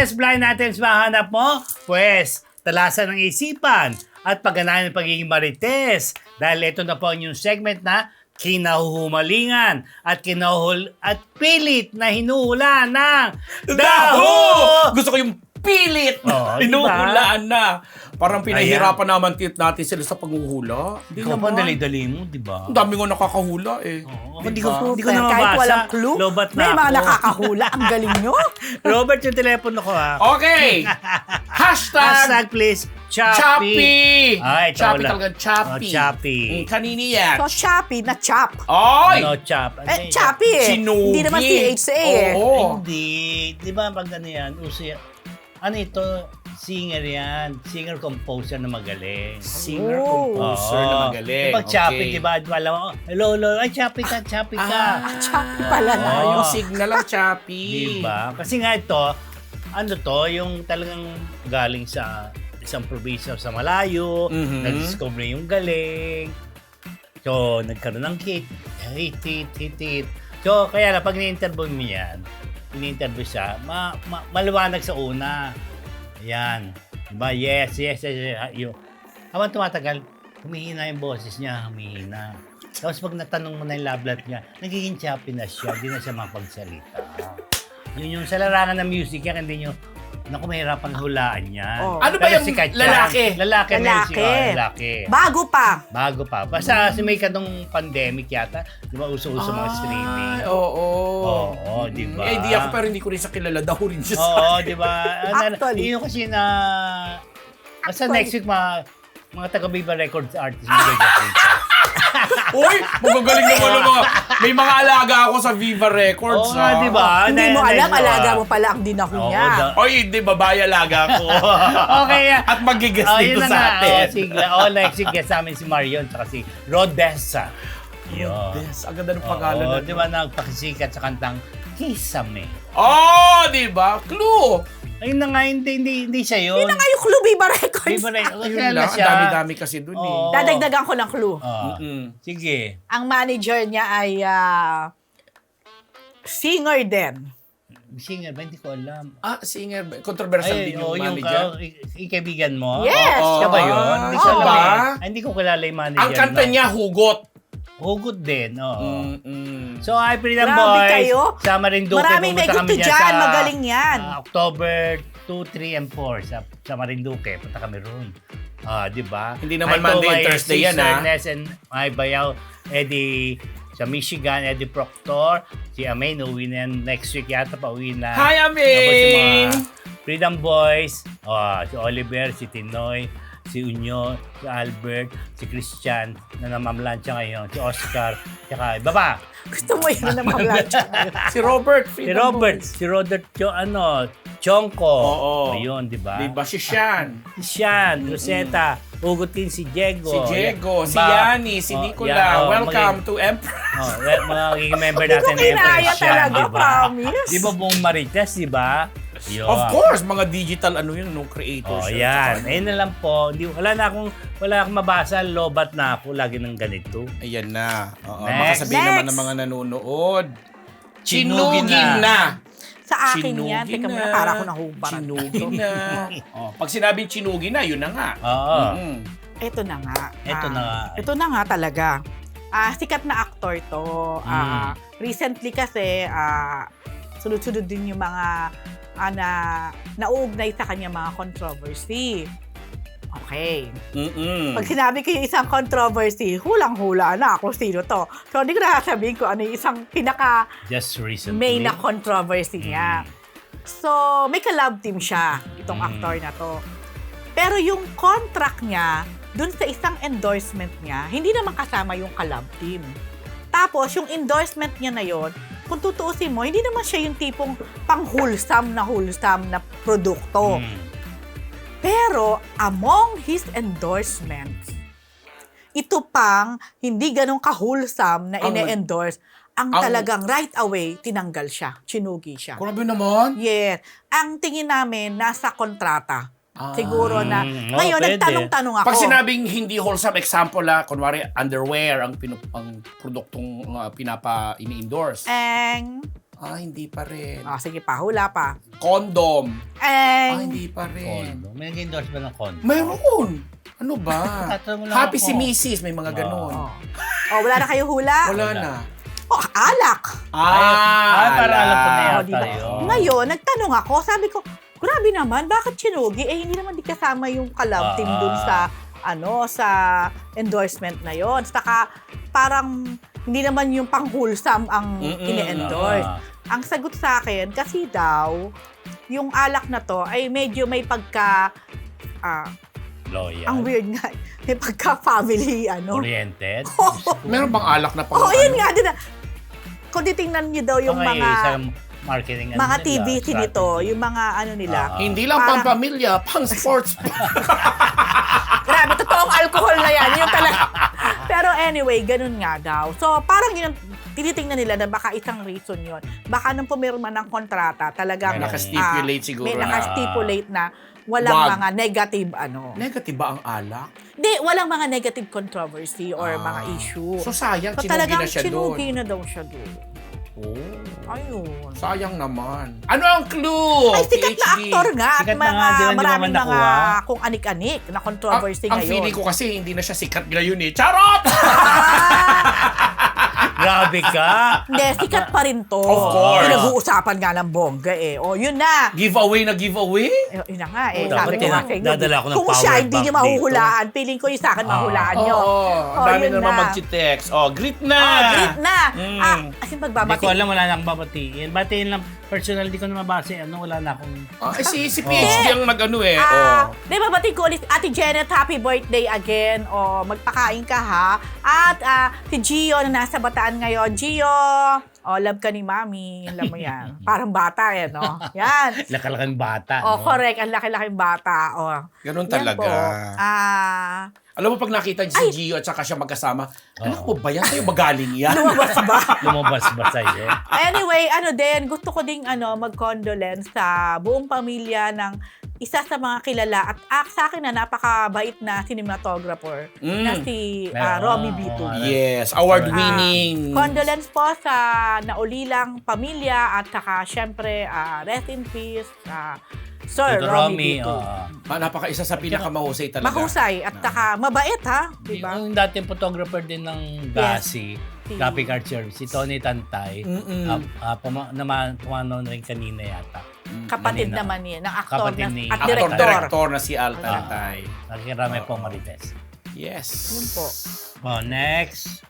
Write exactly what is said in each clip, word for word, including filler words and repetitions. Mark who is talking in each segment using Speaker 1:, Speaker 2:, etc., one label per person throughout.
Speaker 1: Yes, blind items mahanap mo? Pwes, talasan ng isipan at pagganahan ng pagiging marites. Dahil ito na po ang yung segment na kinahuhumalingan at kinahuhul at pilit na hinuhula ng daho!
Speaker 2: Gusto ko yung pilit
Speaker 1: Oh,
Speaker 2: na hinuhulaan na. Parang pinahirapan naman tit- natin sila sa paghuhula. Hindi
Speaker 1: Ikaw pa
Speaker 2: naman.
Speaker 1: dali-dali mo, di ba?
Speaker 2: Ang dami ko nakakahula eh.
Speaker 1: Oo,
Speaker 2: Di
Speaker 1: hindi ko,
Speaker 2: ba?
Speaker 1: hindi ko na
Speaker 3: Kahit
Speaker 1: mabasa.
Speaker 3: walang clue,
Speaker 1: Lobat na
Speaker 3: may mga
Speaker 1: ako.
Speaker 3: nakakahula. Ang galing nyo.
Speaker 1: Robert, yung telepono ko ha.
Speaker 2: Okay! Hashtag,
Speaker 1: Hashtag please, Choppy.
Speaker 2: Choppy!
Speaker 1: Ay, ito
Speaker 2: Choppy
Speaker 1: wala.
Speaker 2: talaga, Choppy.
Speaker 1: Oh, Choppy.
Speaker 2: Mm, kanini yan.
Speaker 3: So, choppy na chop.
Speaker 2: Oy!
Speaker 1: Ano, chop?
Speaker 3: Eh, choppy eh.
Speaker 2: Sinugi.
Speaker 3: Hindi naman C H A eh.
Speaker 2: Oo.
Speaker 1: Hindi. Di ba pag ano yan, uso yan. Ano ito? Singer yan. Singer-composer na magaling.
Speaker 2: Singer-composer na
Speaker 1: Oo.
Speaker 2: magaling.
Speaker 1: Eh, pag choppy,
Speaker 2: Okay.
Speaker 1: di ba? Wala mo, hello, hello. Ay, choppy ka, choppy ka.
Speaker 2: Ah,
Speaker 3: Choppy pala na.
Speaker 2: Ah,
Speaker 1: Oo.
Speaker 2: yung signal ang Choppy.
Speaker 1: Di ba? Kasi nga ito, ano to, yung talagang galing sa isang probinsya sa malayo,
Speaker 2: Mhm.
Speaker 1: nag-discover yung galing. So, nagkaroon ng hit. Hit, hit, hit, hit. So, kaya lang, pag ni-interview mo yan, ini-interview siya, ma- ma- maliwanag sa una. Ayan. Diba? Yes, yes, yes. yes. Yung, habang tumatagal, humihina yung boses niya, humihina. Tapos pag natanong mo na yung love life niya, nagiging choppy na siya, hindi na siya mapagsalita. Yun yung sa larangan ng music yan, hindi nyo, naku, mahirapan hulaan yan.
Speaker 3: Oh.
Speaker 2: Ano ba
Speaker 1: Pero
Speaker 2: yung
Speaker 1: sikat yan.
Speaker 2: lalaki?
Speaker 1: Lalaki.
Speaker 3: Lalaki.
Speaker 1: Music, oh, lalaki.
Speaker 3: Bago pa.
Speaker 1: Bago pa. Basta si may kanong pandemic yata, di ba uso-uso mga streaming.
Speaker 2: Ay, Oo.
Speaker 1: Oo, di ba?
Speaker 2: May idea ko pero hindi ko rin sa kilala. Daw rin siya sa
Speaker 1: Oo, di ba?
Speaker 3: Actually.
Speaker 1: Yun kasi na... Basta
Speaker 3: Actually.
Speaker 1: next week, mga, mga taga-Viva Records artists magagawin siya.
Speaker 2: Uy, magagaling naman ang mga... May mga alaga ako sa Viva Records.
Speaker 1: Oo nga,
Speaker 2: ah.
Speaker 1: di ba?
Speaker 3: Hindi
Speaker 1: Na-
Speaker 3: mo
Speaker 1: na-
Speaker 3: alam,
Speaker 1: na-
Speaker 3: alaga mo pala ang dinaho
Speaker 1: Oo,
Speaker 3: niya.
Speaker 1: da-
Speaker 2: Oy, hindi, babae alaga ko.
Speaker 1: Okay.
Speaker 2: At magigas
Speaker 1: Oh,
Speaker 2: dito
Speaker 1: yun na
Speaker 2: sa
Speaker 1: nga.
Speaker 2: atin.
Speaker 1: Oh, sige. Oh, next week, guest namin si Marion tsaka si Rodessa. Yun.
Speaker 2: Yes, ang ganda ng pangalan.
Speaker 1: Oo,
Speaker 2: na
Speaker 1: di ba nagpakisikat sa kantang Kisame.
Speaker 2: Oh, di ba? Clue.
Speaker 1: Ayun na nga, hindi, hindi, hindi siya yun.
Speaker 3: Yun na nga yung clue, Viva Records.
Speaker 1: Viva Records.
Speaker 2: Ayun
Speaker 1: Kilala
Speaker 2: lang, ang
Speaker 1: siya.
Speaker 2: dami-dami kasi dun eh.
Speaker 1: Oo.
Speaker 3: Dadagdagan ko ng clue.
Speaker 1: Ah,
Speaker 2: Mm-mm.
Speaker 1: sige.
Speaker 3: Ang manager niya ay ah, singer din.
Speaker 1: Singer ba? Hindi ko alam.
Speaker 2: Ah, singer. ba? Controversial
Speaker 1: Ay,
Speaker 2: din
Speaker 1: oh,
Speaker 2: yung
Speaker 1: yung
Speaker 2: manager.
Speaker 1: ka, i- i- kaibigan mo?
Speaker 3: Yes!
Speaker 2: Oo.
Speaker 1: Siya ba yun? Hindi ko
Speaker 2: siya
Speaker 1: alam
Speaker 2: ba?
Speaker 1: eh. Ay, hindi ko kilala yung manager.
Speaker 2: Ang kanta
Speaker 1: no?
Speaker 2: niya, Hugot.
Speaker 1: Hugot din, oo.
Speaker 2: Mm-mm.
Speaker 1: So, hi, Freedom
Speaker 3: Grabe
Speaker 1: Boys.
Speaker 3: kayo.
Speaker 1: Sa Marinduque,
Speaker 3: Maraming may
Speaker 1: pumunta
Speaker 3: gusto
Speaker 1: kami dyan
Speaker 3: dyan.
Speaker 1: sa
Speaker 3: Magaling yan.
Speaker 1: ah, October two, three, and four sa, sa Marinduque. Punta kami roon. Ah, di ba?
Speaker 2: Hindi naman
Speaker 1: Hi to
Speaker 2: Monday and
Speaker 1: my
Speaker 2: Thursday yan,
Speaker 1: sister
Speaker 2: ah.
Speaker 1: Ness and my bayaw, Eddie sa Michigan, Eddie Proctor. Si Amain, uwi na yan next week yata pa, uwi na.
Speaker 2: Hi,
Speaker 1: Tapos
Speaker 2: Amain!
Speaker 1: yung mga Freedom Boys, ah, si Oliver, si Tinoy, si Unyo, si Albert, si Christian, na namamlansya ngayon, si Oscar, tsaka iba pa.
Speaker 3: Gusto mo yun na mamlansya.
Speaker 2: Si Robert.
Speaker 1: Si Robert, si Robert, Cho, ano, Chongko.
Speaker 2: Oo.
Speaker 1: Ayun, di ba?
Speaker 2: Di ba si Sean?
Speaker 1: Si Sean, Rosetta, Hugot din si Diego.
Speaker 2: Si Diego, si
Speaker 1: Ba-
Speaker 2: Yani, si
Speaker 1: Oh,
Speaker 2: Nicola.
Speaker 1: yeah, oh,
Speaker 2: Welcome
Speaker 1: maging-
Speaker 2: to Empress.
Speaker 1: Oh, well, mga magiging member
Speaker 3: Hindi ko
Speaker 1: natin ng
Speaker 3: kinaya
Speaker 1: Empress Sean,
Speaker 3: talaga,
Speaker 1: di ba?
Speaker 3: promise.
Speaker 1: Di ba buong Marites, di ba? Yun.
Speaker 2: Of course, mga digital ano yun, no creators.
Speaker 1: Oh, yan. Ayun na lang po. Hindi, wala na akong, wala akong mabasa. Lobat na ako. Lagi ng ganito.
Speaker 2: Ayan na. Oo,
Speaker 1: Next.
Speaker 2: makasabihin naman
Speaker 3: Next.
Speaker 2: ng mga nanonood.
Speaker 1: Chinugin
Speaker 2: Chinugin
Speaker 1: na.
Speaker 2: na.
Speaker 3: Sa akin yan.
Speaker 2: Chinugin
Speaker 3: Teka
Speaker 2: na.
Speaker 3: muna, para ko nahubaran.
Speaker 2: Chinugin na. oh, pag sinabing chinugin na, yun na nga.
Speaker 1: Oo.
Speaker 2: Mm-mm.
Speaker 3: Ito na nga.
Speaker 1: Ito
Speaker 3: Ah,
Speaker 1: na nga.
Speaker 3: Ito na nga talaga. Ah, sikat na actor to. Ah, recently kasi, ah, sunod-sunod din yung mga ah, na nauugnay sa kanya mga controversy. Okay.
Speaker 2: Mm-mm.
Speaker 3: Pag sinabi ko yung isang controversy, hulang-hula na ako sino to. So, hindi ko na sabihin ko ano yung isang pinaka
Speaker 1: Just recently.
Speaker 3: main na controversy niya. So, may ka-love team siya, itong
Speaker 1: Mm.
Speaker 3: actor na to. Pero yung contract niya, dun sa isang endorsement niya, hindi naman kasama yung ka-love team. Tapos, yung endorsement niya na yon, kung tutuusin mo, hindi naman siya yung tipong pang-wholesome na wholesome na produkto.
Speaker 1: Mm.
Speaker 3: Pero, among his endorsements, ito pang hindi ganun ka-wholesome na
Speaker 2: Ang-
Speaker 3: ine-endorse, ang,
Speaker 2: ang-
Speaker 3: talagang right away, tinanggal siya, chinugi siya.
Speaker 2: Grabe naman.
Speaker 3: Yes. Ang tingin namin, nasa kontrata.
Speaker 2: Ah.
Speaker 3: Siguro na.
Speaker 1: Mm, oh,
Speaker 3: Ngayon,
Speaker 1: pwede.
Speaker 3: nagtanong-tanong ako.
Speaker 2: Pag sinabing hindi wholesome, example la, kunwari underwear ang, pinu- ang produktong uh, pinapa ini-endorse.
Speaker 3: Ang,
Speaker 2: Ah, hindi pa rin.
Speaker 3: Ah, sige pa, hula pa.
Speaker 2: Condom.
Speaker 3: Eh,
Speaker 2: Ah, hindi pa rin.
Speaker 1: Condo. May nag-endorse ba ng condo?
Speaker 2: Meron. Ano ba?
Speaker 1: Tatanong lang
Speaker 2: Happy
Speaker 1: ako.
Speaker 2: si Missus May mga ganon.
Speaker 3: oh. oh, wala na kayo hula?
Speaker 2: Wala
Speaker 1: Wala.
Speaker 2: na.
Speaker 3: Oh, alak.
Speaker 2: Ah,
Speaker 1: Ay, para alam ko na
Speaker 3: Oh,
Speaker 1: yata
Speaker 3: di ba?
Speaker 1: yun.
Speaker 3: Ngayon, nagtanong ako, sabi ko, grabe naman, bakit sinugi? Eh, hindi naman di kasama yung kalab team
Speaker 1: Ah.
Speaker 3: dun sa, ano, sa endorsement na yon. Saka, parang, hindi naman yung pang-wholesome ang
Speaker 2: Mm-mm.
Speaker 3: ini-endorse.
Speaker 1: Ah.
Speaker 3: Ang sagot sa akin, kasi daw, yung alak na to ay medyo may pagka, ah,
Speaker 1: Loyal.
Speaker 3: ang weird nga, may pagka-family, ano.
Speaker 1: Oriented.
Speaker 2: Meron bang alak na pang
Speaker 3: Oo, oh, yun nga din. Kung titingnan nyo daw yung
Speaker 1: Mga
Speaker 3: mga
Speaker 1: isang marketing ano
Speaker 3: mga
Speaker 1: nila,
Speaker 3: T V C nito,
Speaker 1: strategy.
Speaker 3: yung mga ano nila.
Speaker 1: Ah.
Speaker 2: Hindi lang
Speaker 3: Parang-
Speaker 2: pang pamilya, pang sports.
Speaker 3: Grabe, totoong alcohol na yan. Yung talaga. Pero anyway, ganun nga daw. So, parang yun, tinitingnan nila na baka isang reason yun. Baka nung pumirma ng kontrata, talagang
Speaker 2: May nakastipulate siguro
Speaker 3: may
Speaker 2: na.
Speaker 3: nakastipulate na walang
Speaker 2: Wag.
Speaker 3: mga negative ano.
Speaker 2: Negative ba ang alak?
Speaker 3: Hindi, walang mga negative controversy or
Speaker 2: Ah.
Speaker 3: mga issue.
Speaker 2: So sayang,
Speaker 3: So,
Speaker 2: sinugi
Speaker 3: talagang
Speaker 2: na siya doon.
Speaker 3: sinugi na daw siya doon.
Speaker 2: Oh,
Speaker 3: Ayun.
Speaker 2: sayang naman. Ano ang clue?
Speaker 3: Ay, sikat na
Speaker 2: P H D?
Speaker 3: aktor nga at
Speaker 1: Sikat na
Speaker 3: mga
Speaker 1: nga, di ba, hindi
Speaker 3: maraming
Speaker 1: naman
Speaker 3: mga
Speaker 1: nakuha?
Speaker 3: kung anik-anik na
Speaker 2: Ang,
Speaker 3: controversy
Speaker 2: ang
Speaker 3: ngayon.
Speaker 2: feeling ko kasi hindi na siya sikat ngayon eh. Charot!
Speaker 1: Grabe ka!
Speaker 3: Hindi, sikat pa rin to.
Speaker 2: Of course.
Speaker 3: Pinag-uusapan nga ng bongga eh. O, yun na.
Speaker 2: Giveaway na giveaway?
Speaker 3: Eh, yun na nga
Speaker 1: Oh,
Speaker 3: eh.
Speaker 1: dapat
Speaker 3: Sabi ko nga
Speaker 1: tina-
Speaker 3: sa inyo.
Speaker 1: dadala ko ng
Speaker 3: Kung
Speaker 1: power
Speaker 3: siya hindi
Speaker 1: bank
Speaker 3: niyo
Speaker 1: dito.
Speaker 3: mahuhulaan, feeling ko yung sa akin
Speaker 1: Ah.
Speaker 3: mahulaan
Speaker 2: Oo,
Speaker 3: niyo.
Speaker 2: ang
Speaker 3: Oh,
Speaker 2: dami
Speaker 3: yun
Speaker 2: na naman
Speaker 3: na.
Speaker 2: mag-text. Oh, greet na!
Speaker 3: Oh, great na.
Speaker 2: Mm.
Speaker 3: Ah, as in
Speaker 1: Hindi
Speaker 3: pagbabati.
Speaker 1: ko alam, wala na akong babatiin. Batiin lang, personal, di ko na mabase. Ano, wala na akong...
Speaker 2: Ah, eh, si, si P H D ang nag-ano eh.
Speaker 3: Ah,
Speaker 2: oh.
Speaker 3: di ba bati ko ulit, Ate Janet, happy birthday again. O, magpakain ka ha. At ah, si Gio na nasa Bataan ngayon. Gio, o, love ka ni Mami. Alam mo yan. Parang bata eh, no? Yan.
Speaker 1: Lakalaking bata.
Speaker 3: O,
Speaker 1: no?
Speaker 3: correct. Ang laki-laking bata. O,
Speaker 2: Ganun
Speaker 3: yan
Speaker 2: talaga.
Speaker 3: po. Ah,
Speaker 2: Alam mo, pag nakita si Gio at saka siya magkasama, anak mo ba yan? Sa'yo ba galing yan?
Speaker 3: lumabas ba?
Speaker 1: Lumabas ba sa'yo?
Speaker 3: Anyway, ano din, gusto ko ding ano, mag-condolence sa buong pamilya ng isa sa mga kilala at ah, sa akin na napakabait na cinematographer
Speaker 2: Mm.
Speaker 3: na si
Speaker 1: Ah,
Speaker 3: ah, Romy B two.
Speaker 1: oo.
Speaker 2: Yes, award-winning.
Speaker 3: Condolence po sa naulilang pamilya at saka syempre ah, rest in peace ah, Sir
Speaker 1: Tito Romy,
Speaker 3: Romy B two.
Speaker 1: oo.
Speaker 2: Ah, napaka isa sa pinakamahusay talaga.
Speaker 3: Mahusay at saka mabait ha, di ba?
Speaker 1: Yung dating photographer din ng Gasi,
Speaker 3: Si-
Speaker 1: Graphic Art Service, si Tony Tantay,
Speaker 2: Mm-mm.
Speaker 1: uh, uh, puma- naman, pumanaw na rin kanina yata.
Speaker 3: Kapatid
Speaker 1: Kanina.
Speaker 3: naman niya, ng aktor
Speaker 1: Kapatid
Speaker 3: na,
Speaker 1: ni-
Speaker 3: at
Speaker 2: Actor,
Speaker 3: director.
Speaker 2: director na si Al Tantay.
Speaker 1: Nakikirami po Marites.
Speaker 2: Yes.
Speaker 3: Yun po.
Speaker 1: Oh, next.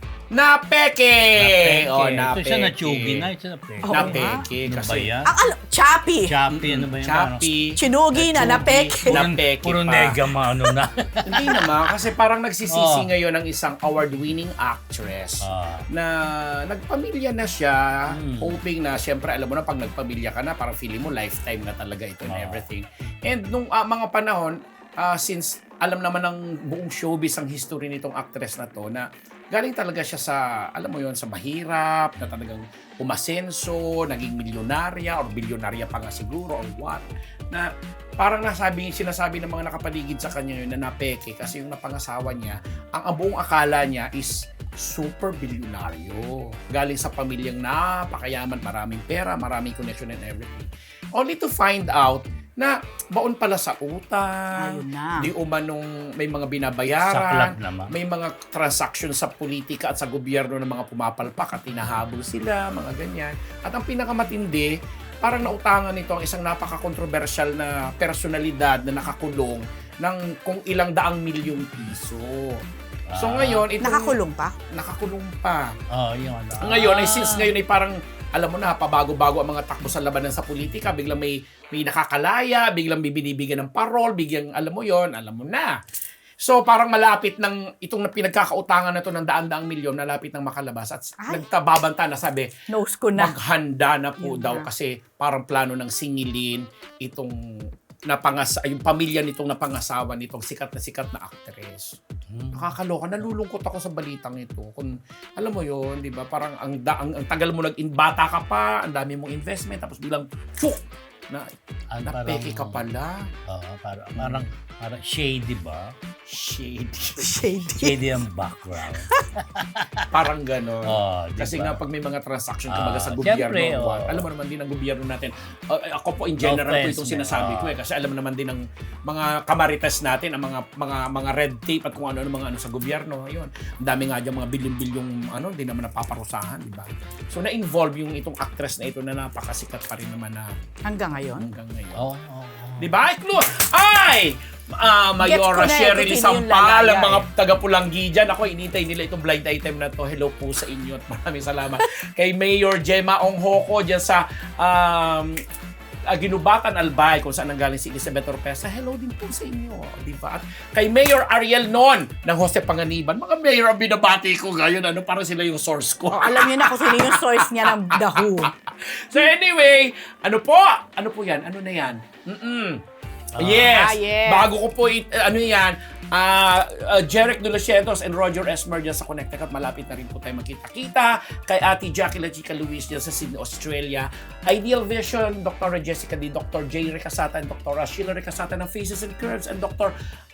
Speaker 2: Napeke! Oh,
Speaker 1: Ito siya
Speaker 2: napeke.
Speaker 1: na-chugi na, ito na peke.
Speaker 3: Oo
Speaker 2: Napeke.
Speaker 1: Ano ba
Speaker 2: Kasi,
Speaker 1: yan?
Speaker 3: Ang ano, Chappy.
Speaker 1: Chappy, ano ba yan?
Speaker 2: Chappy.
Speaker 3: Chinugi na,
Speaker 2: Nachugi.
Speaker 3: napeke.
Speaker 1: Puro,
Speaker 2: Napeke
Speaker 1: puro
Speaker 2: pa.
Speaker 1: nega ma, ano na.
Speaker 2: Hindi naman, kasi parang nagsisisi
Speaker 1: Oh.
Speaker 2: ngayon ng isang award-winning actress
Speaker 1: Ah.
Speaker 2: na nagpamilya na siya,
Speaker 1: Hmm.
Speaker 2: hoping na, syempre, alam mo na, pag nagpamilya ka na, parang feeling mo lifetime na talaga ito and
Speaker 1: Ah.
Speaker 2: everything. And nung ah, mga panahon, ah, since alam naman ng buong showbiz ang history nitong actress na to, na galing talaga siya sa, alam mo yon sa mahirap, na talagang umasenso, naging milyonarya or bilyonarya pa nga siguro or what, na parang nasabi, sinasabi ng mga nakapaligid sa kanya yun na napeke kasi yung napangasawa niya, ang, ang buong akala niya is super bilyonaryo. Galing sa pamilyang napakayaman, maraming pera, maraming connection and everything. Only to find out na baon pala sa utang,
Speaker 3: Ayun na.
Speaker 2: di umanong may mga
Speaker 1: Saklap
Speaker 2: binabayaran,
Speaker 1: naman.
Speaker 2: may mga transaction sa politika at sa gobyerno ng mga pumapalpak at tinahabol sila, mga ganyan. At ang pinakamatindi, parang nautangan nito ang isang napaka-controversial na personalidad na nakakulong ng kung ilang daang milyong piso. So
Speaker 1: Ah.
Speaker 2: ngayon, itong
Speaker 3: Nakakulong pa?
Speaker 2: nakakulong pa.
Speaker 1: Oh, yun. Ah.
Speaker 2: Ngayon, ay since ngayon ay parang, alam mo na, pabago-bago ang mga takbo sa labanan sa politika, biglang may, may nakakalaya, biglang bibinibigyan ng parol, biglang, alam mo yon alam mo na. So, parang malapit ng, itong na pinagkakautangan na to ng daan-daang milyon, malapit ng makalabas. At
Speaker 3: Ay.
Speaker 2: nagtababanta na sabi,
Speaker 3: Nose ko na.
Speaker 2: maghanda na po
Speaker 3: Yun
Speaker 2: daw
Speaker 3: na.
Speaker 2: kasi parang plano ng singilin itong napangas yung pamilya nitong napangasawa nitong sikat na sikat na actress.
Speaker 1: Hmm.
Speaker 2: Nakakaloka, nalulungkot ako sa balitang ito. Kung alam mo 'yon, 'di ba? Parang ang, da, ang, ang tagal mo nag-bata ka pa, ang dami mong investment tapos bilang chuk na
Speaker 1: Ang
Speaker 2: napeke
Speaker 1: parang-
Speaker 2: ka pala.
Speaker 1: Oo, parang, parang Parang shady ba?
Speaker 2: Shady.
Speaker 3: Shady.
Speaker 1: Shady ang background.
Speaker 2: Parang gano'n.
Speaker 1: Oh, di
Speaker 2: Kasi
Speaker 1: ba?
Speaker 2: nga pag may mga transaction
Speaker 1: Ah,
Speaker 2: kumbaga sa gobyerno,
Speaker 1: syempre, oh.
Speaker 2: alam mo naman din ang gobyerno natin. Uh, ako po in general
Speaker 1: No
Speaker 2: po
Speaker 1: offense,
Speaker 2: itong sinasabi
Speaker 1: no.
Speaker 2: ko eh kasi alam naman din ng mga kamarites natin ang mga mga mga red tape at kung ano-ano mga ano sa gobyerno. Ayun. Ang dami nga diyan mga bilyon-bilyong ano, hindi naman napaparusahan, di ba? So na-involve yung itong actress na ito na napakasikat pa rin naman na
Speaker 3: Hanggang ngayon.
Speaker 2: hanggang ngayon.
Speaker 1: Oo, oo, oo.
Speaker 2: Di ba? Ay! Ah, Mayora
Speaker 3: Gets ko na eh,
Speaker 2: Shirley
Speaker 3: kung sino yung
Speaker 2: Sampal,
Speaker 3: lalaya
Speaker 2: ang mga
Speaker 3: eh.
Speaker 2: taga-Pulanggi dyan. Ako, inintay nila itong blind item na to. Hello po sa inyo at maraming salamat. Kay Mayor Gemma Onghoko dyan sa um, Ginubatan Albay, kung saan nanggaling si Elizabeth Orpesa. Hello din po sa inyo. Di ba? At kay Mayor Ariel Non ng Jose Panganiban. Mga mayor ang binabati ko ngayon. Ano, parang sila yung source ko.
Speaker 3: Oh, alam niyo na kung sino yung source niya ng The Who.
Speaker 2: So anyway, ano po? Ano po yan? Ano na yan? Mm-mm. Yes.
Speaker 3: Ah, yes.
Speaker 2: Bago ko po, it, ano yan, uh, uh, Jeric De Los Santos and Roger Esmer dyan sa Connecticut. Malapit na rin po tayo magkita-kita. Kay Ate Jackie La Chica Luis dyan sa Sydney, Australia. Ideal Vision, Doctor Jessica D, Doctor J. Recasata, and Doctor Sheila Recasata ng Faces and Curves, and Doctor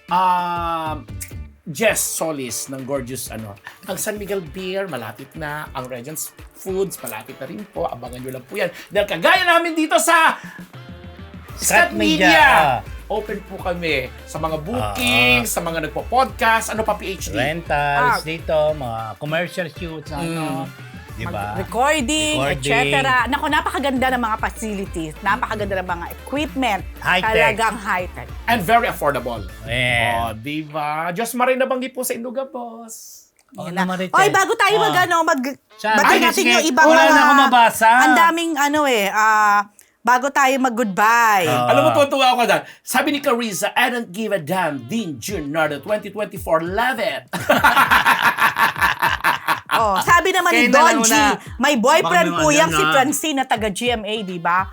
Speaker 2: Um, Jess Solis ng Gorgeous, ano. Ang San Miguel Beer, malapit na. Ang Regents Foods, malapit na rin po. Abangan nyo lang po yan. Dahil kagaya namin dito sa Scat
Speaker 1: Scat Media.
Speaker 2: Media. Open po kami sa mga bookings, sa mga nagpo-podcast, ano pa P H D?
Speaker 1: Rentals
Speaker 3: Ah.
Speaker 1: dito, mga commercial shoots, ano. Di ba?
Speaker 3: Recording, et
Speaker 1: Recording.
Speaker 3: cetera. Naku, napakaganda ng mga facilities. Napakaganda ng mga equipment.
Speaker 1: High-tech.
Speaker 3: Talagang high-tech.
Speaker 2: And very affordable.
Speaker 1: Yeah.
Speaker 2: Oh, di ba? Diyos marin nabanggit po sa Induga, boss.
Speaker 1: Oh,
Speaker 3: Yan na.
Speaker 1: naman rin,
Speaker 3: Oy,
Speaker 1: Ted.
Speaker 3: bago tayo
Speaker 1: Ah.
Speaker 3: mag, ano, mag...
Speaker 1: Saan?
Speaker 3: Batiin
Speaker 1: Ay,
Speaker 3: natin
Speaker 1: sige.
Speaker 3: yung ibang
Speaker 1: Wala
Speaker 3: mga...
Speaker 1: na akong mabasa.
Speaker 3: Ang daming, ano eh, ah... bago tayo mag-goodbye.
Speaker 1: Ah.
Speaker 2: Alam mo, tuwa ako dyan. Sabi ni Carissa, I don't give a damn, Dean Junardo twenty twenty-four, love it.
Speaker 3: Oh, sabi naman ni
Speaker 1: Kaya na lang
Speaker 3: Don G,
Speaker 1: muna.
Speaker 3: may boyfriend
Speaker 1: Baka
Speaker 3: po
Speaker 1: naman
Speaker 3: yang
Speaker 1: yan,
Speaker 3: si
Speaker 1: ah.
Speaker 3: Francine na taga G M A, di ba?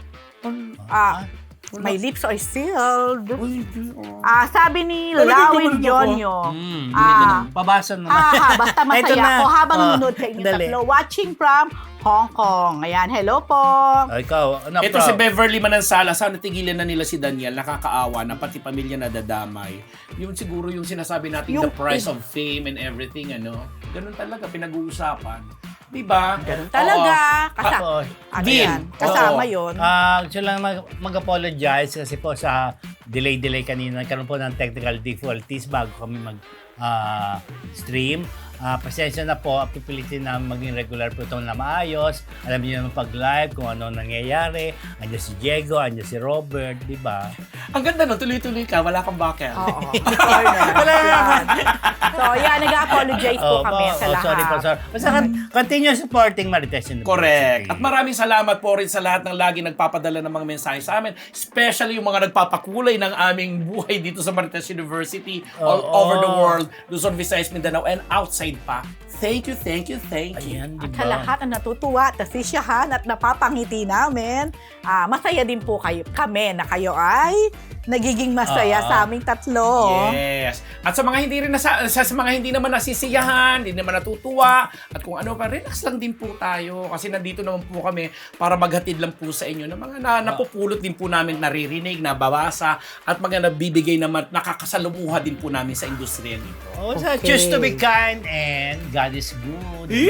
Speaker 3: Ah, my lips are sealed. Ah, sabi ni
Speaker 2: Talagang
Speaker 3: Lawin
Speaker 2: gumanon ako.
Speaker 3: Jonyo.
Speaker 1: Hmm,
Speaker 3: Ah,
Speaker 1: pabasa naman.
Speaker 3: ah, ha, basta
Speaker 1: Ito
Speaker 3: masaya
Speaker 1: na.
Speaker 3: ako habang
Speaker 1: Oh,
Speaker 3: nanonood sa inyo
Speaker 1: dali.
Speaker 3: tatlo. Watching from Hong Kong. Ayan, hello po.
Speaker 1: Oh, ikaw, ano,
Speaker 2: Ito
Speaker 1: pro?
Speaker 2: si Beverly Manansala, sana tigilan na nila si Daniel, nakakaawa na pati pamilya nadadamay. Yun siguro yung sinasabi natin,
Speaker 3: Yung-
Speaker 2: the price of fame and everything, ano. Ganun talaga, pinag-uusapan. Diba?
Speaker 3: Ganun talaga. Kasa,
Speaker 1: Tapos,
Speaker 3: ano
Speaker 2: Dean.
Speaker 3: yan? Kasama
Speaker 2: Oo.
Speaker 3: yun.
Speaker 1: Ah, gusto lang mag- mag-apologize kasi po sa delay-delay kanina. Nagkaroon po ng technical difficulties bago kami mag ah, stream. Ah, pasensya na po, pipilitin na maging regular po ito na maayos. Alam niyo naman pag live kung ano nangyayari. Andiyan si Diego, andiyan si Robert, di ba?
Speaker 2: Ang ganda no, tuloy-tuloy ka, wala kang bakit.
Speaker 3: Oo. Wala yan. So, yan, nag-apologize po
Speaker 1: Oh,
Speaker 3: kami
Speaker 1: oh,
Speaker 3: sa
Speaker 1: oh,
Speaker 3: lahat.
Speaker 1: sorry po, sorry. Basta con- continue supporting Marites University.
Speaker 2: Correct. At maraming salamat po rin sa lahat ng lagi nagpapadala ng mga mensahe sa amin. Especially yung mga nagpapakulay ng aming buhay dito sa Marites University all
Speaker 1: Oo.
Speaker 2: over the world. Luzon, Visayas, Mindanao, and outside pa. Thank you, thank you, thank you.
Speaker 1: Ayan, di
Speaker 3: At
Speaker 1: ba?
Speaker 3: sa lahat na natutuwa at nasisyahan at napapangiti namin, ah, masaya din po kayo, kami na kayo ay nagiging masaya
Speaker 1: Ah.
Speaker 3: sa aming tatlo.
Speaker 2: Yes. At sa mga hindi rin nasa, sa, sa mga hindi naman nasisiyahan, hindi naman natutuwa, at kung ano pa, relax lang din po tayo. Kasi nandito naman po kami para maghatid lang po sa inyo ng mga na, napupulot din po namin, naririnig, nababasa, at mga nabibigay naman, nakakasalumuha din po namin sa industriya nito.
Speaker 1: Oh, so
Speaker 3: Okay.
Speaker 1: choose to be kind and God is good.
Speaker 2: Yay!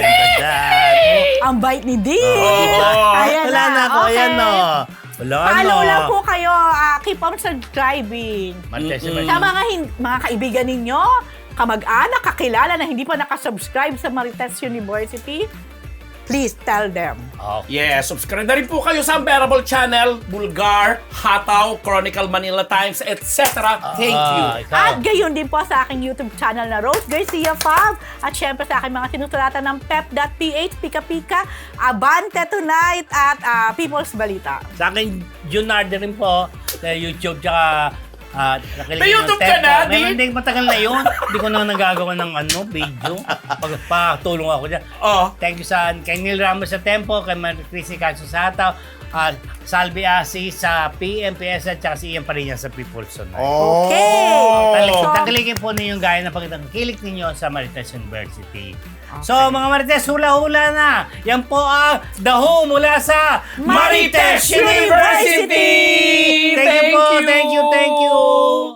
Speaker 1: That.
Speaker 3: Ang bait ni Dean!
Speaker 2: Oh,
Speaker 3: Ayan
Speaker 1: Wala na ako,
Speaker 3: okay.
Speaker 1: ayan no. Wala
Speaker 3: Follow
Speaker 1: no.
Speaker 3: lang po kayo. ah, keep on subscribing.
Speaker 1: Marites
Speaker 2: Mm-mm.
Speaker 1: University.
Speaker 3: Sa mga, hin- mga kaibigan ninyo, kamag-anak, kakilala na hindi pa nakasubscribe sa Marites University, please tell them.
Speaker 1: Okay.
Speaker 2: Yes, subscribe na rin po kayo sa Unbearable Channel, Bulgar, Hataw, Chronicle Manila Times, et cetera. Thank you.
Speaker 1: Ah, ikaw.
Speaker 3: At gayon din po sa aking YouTube channel na Rose Garcia Fab. At syempre sa aking mga sinusulatan ng pep dot p h, Pika Pika, Abante Tonight, at ah, People's Balita.
Speaker 1: Sa akin, Junard rin po sa YouTube, tsaka ah, nakilig
Speaker 2: May
Speaker 1: ng
Speaker 2: YouTube ka
Speaker 1: Tempo.
Speaker 2: na,
Speaker 1: May
Speaker 2: Dean?
Speaker 1: hindi, matagal na yun. Hindi ko na nagagawa ng ano, video. Pagpatulong ako dyan.
Speaker 2: Oh.
Speaker 1: Thank you sa kay Neil Ramos sa Tempo, kay Chris Caso sa Hataw, uh, Salvi Asi sa P M P S at saka si Ian Parinya sa People's Tonight.
Speaker 3: Okay!
Speaker 1: Talik,
Speaker 3: So-
Speaker 1: tangkilikin po ninyo gaya ng pagkitang kilik ninyo sa Marites University. So mga Marites, hula-hula na! Yan po ang The Who mula sa
Speaker 2: Marites University!
Speaker 1: Thank you po,
Speaker 2: Thank you!
Speaker 1: thank you, thank you!